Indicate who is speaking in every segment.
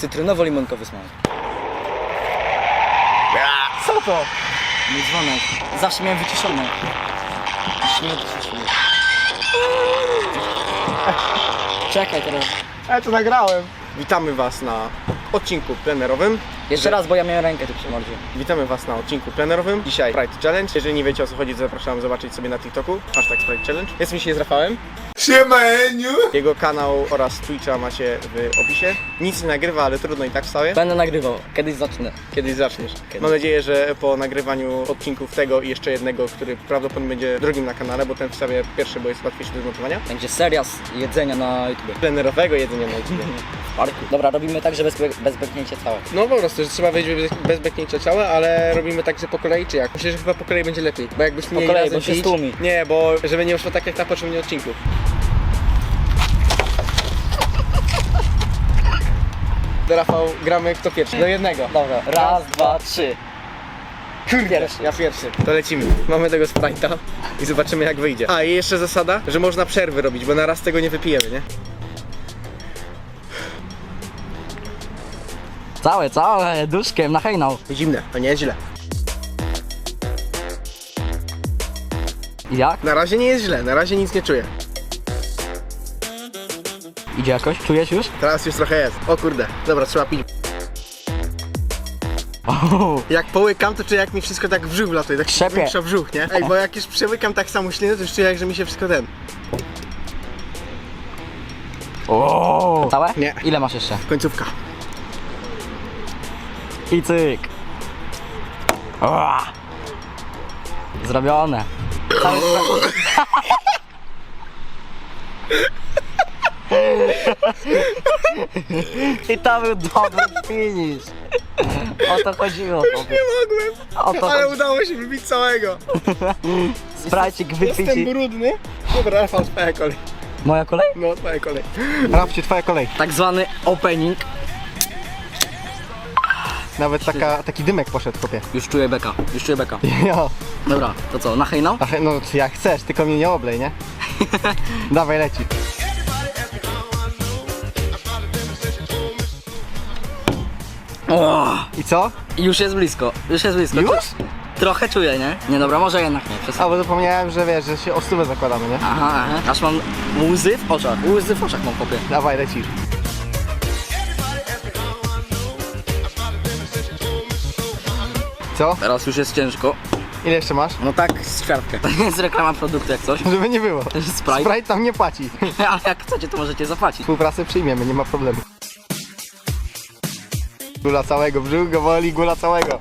Speaker 1: cytrynowo-limonkowy smak.
Speaker 2: Co to?
Speaker 1: Mój dzwonek. Zawsze miałem wyciszony. Już nie wyciszyłem. Czekaj teraz.
Speaker 2: Ja to nagrałem. Witamy was na odcinku plenerowym.
Speaker 1: Jeszcze raz, bo ja miałem rękę tu przy mordzie.
Speaker 2: Witamy was na odcinku plenerowym. Dzisiaj Sprite Challenge. Jeżeli nie wiecie o co chodzi, to zapraszam zobaczyć sobie na TikToku. Hashtag Sprite Challenge. Jestem dzisiaj z Rafałem.
Speaker 3: Siemeniu!
Speaker 2: Jego kanał oraz Twitcha macie w opisie. Nic nie nagrywa, ale trudno i tak wstaje.
Speaker 1: Będę nagrywał. Kiedyś zacznę.
Speaker 2: Kiedyś zaczniesz. Mam nadzieję, że po nagrywaniu odcinków tego i jeszcze jednego, który prawdopodobnie będzie drugim na kanale, bo ten wstawię pierwszy, bo jest łatwiejszy do zmontowania.
Speaker 1: Będzie seria z jedzenia na YouTube.
Speaker 2: Plenerowego jedzenia na YouTube.
Speaker 1: W parku. Dobra, robimy tak, że bez beknięcia całe.
Speaker 2: No po prostu, że trzeba wejść bez beknięcia ciała, ale robimy tak, że po kolei czy jak? Myślę, że chyba po kolei będzie lepiej, bo jakbyśmy mieli
Speaker 1: kolei,
Speaker 2: razem
Speaker 1: bo się
Speaker 2: pić-
Speaker 1: stłumi.
Speaker 2: Nie, bo żeby nie wyszło tak jak na poprzednim odcinku. Do Rafał, gramy kto pierwszy, do jednego.
Speaker 1: Dobra, raz, dwa, trzy. Pierwszy.
Speaker 2: Ja pierwszy. To lecimy. Mamy tego Sprite'a i zobaczymy jak wyjdzie. A i jeszcze zasada, że można przerwy robić, bo na raz tego nie wypijemy, nie?
Speaker 1: Całe, duszkiem na hejnał.
Speaker 2: Zimne, to nie jest źle.
Speaker 1: Jak?
Speaker 2: Na razie nie jest źle, na razie nic nie czuję.
Speaker 1: Idzie jakoś? Czujesz już?
Speaker 2: Teraz już trochę jest. O kurde, dobra, trzeba pić. Jak połykam, to czuję jak mi wszystko tak w brzuch wlatuje, tak
Speaker 1: Szepie.
Speaker 2: większa brzuch, nie? Ej, bo jak już przełykam tak samo ślinę, to już czuję jak, że mi się wszystko ten...
Speaker 1: Całe?
Speaker 2: Nie.
Speaker 1: Ile masz jeszcze?
Speaker 2: Końcówka.
Speaker 1: I cyk. Zrobione. Cały I to był dobry finish. O to chodziło.
Speaker 2: Nie mogłem,
Speaker 1: O to
Speaker 2: ale
Speaker 1: chodzi.
Speaker 2: udało się wypić całego.
Speaker 1: Sprajcik wypić.
Speaker 2: Jestem brudny. Dobra, Rafał, twoja kolej.
Speaker 1: Moja kolej?
Speaker 2: No, twoja kolej. Rafcie, twoja kolej.
Speaker 1: Tak zwany opening.
Speaker 2: Nawet taki dymek poszedł, kopie.
Speaker 1: Już czuję beka.
Speaker 2: Jo.
Speaker 1: Dobra, to co, na hejnał?
Speaker 2: Ach, no jak chcesz, tylko mnie nie oblej, nie? Dawaj, leci. I co?
Speaker 1: Już jest blisko.
Speaker 2: Już?
Speaker 1: Trochę czuję, nie? Nie, dobra, może jednak nie.
Speaker 2: A, bo zapomniałem, że wiesz, że się o stówę zakładamy, nie?
Speaker 1: Aha. Aż mam łzy w oczach. Łzy w oczach mam, kopie.
Speaker 2: Dawaj, lecisz. Co?
Speaker 1: Teraz już jest ciężko.
Speaker 2: Ile jeszcze masz?
Speaker 1: No tak, z ćwiartkę. To nie jest reklama produktu jak coś.
Speaker 2: Żeby nie było.
Speaker 1: Sprite.
Speaker 2: Sprite nam nie płaci.
Speaker 1: Ale jak chcecie, to możecie zapłacić.
Speaker 2: Współpracę przyjmiemy, nie ma problemu. Gula całego, brzuch go boli, gula całego.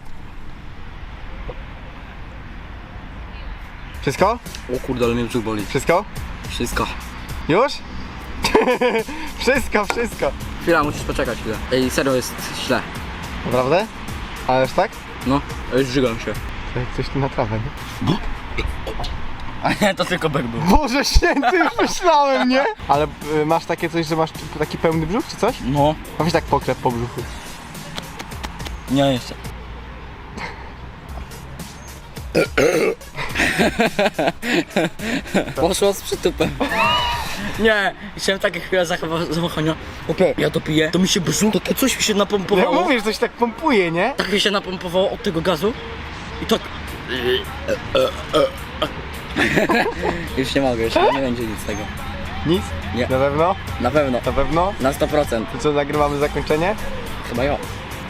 Speaker 2: Wszystko?
Speaker 1: O kurde, ale mnie brzuch boli.
Speaker 2: Wszystko?
Speaker 1: Wszystko.
Speaker 2: Już? Wszystko.
Speaker 1: Chwila, musisz poczekać chwilę. Ej, serio jest źle.
Speaker 2: Naprawdę? Ależ tak?
Speaker 1: No, już żygam się.
Speaker 2: Jak coś tu na trawę, nie?
Speaker 1: A nie, to tylko bek był.
Speaker 2: Boże święty, już myślałem, nie? Ale masz takie coś, że masz taki pełny brzuch, czy coś?
Speaker 1: No.
Speaker 2: A weź tak pokrep po brzuchu.
Speaker 1: Nie, jeszcze. Poszło z przytupem. Nie, chciałem takie chwile zawahania. Opie, ja to piję, to mi się brzuch, takie coś mi się
Speaker 2: Jak
Speaker 1: napompowało.
Speaker 2: mówisz, coś tak pompuje, nie?
Speaker 1: Tak mi się napompowało od tego gazu. I tak... Już nie mogę, już nie będzie nic z tego.
Speaker 2: Nic?
Speaker 1: Nie.
Speaker 2: Na pewno?
Speaker 1: Na pewno,
Speaker 2: Na pewno?
Speaker 1: na 100%.
Speaker 2: To co, nagrywamy zakończenie?
Speaker 1: Chyba ja.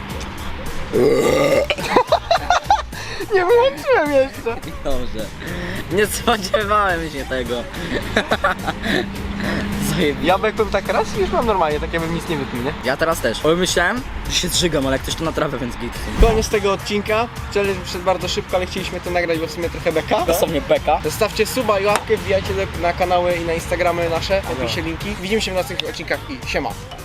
Speaker 2: Nie wyłączyłem jeszcze.
Speaker 1: Dobrze. Nie spodziewałem się tego. Zajebiście.
Speaker 2: Ja bekłem tak raz i już mam normalnie, tak jakbym nic nie wypił, nie?
Speaker 1: Ja teraz też. Bo myślałem, że się zżygam, ale jak ktoś to na trawę, więc git.
Speaker 2: Koniec tego odcinka. Challenge przyszedł bardzo szybko, ale chcieliśmy to nagrać, bo w sumie trochę beka.
Speaker 1: Dosłownie beka.
Speaker 2: Zostawcie suba i łapkę, wbijajcie na kanały i na Instagramy nasze, w opisie linki. Widzimy się w następnych odcinkach i siema.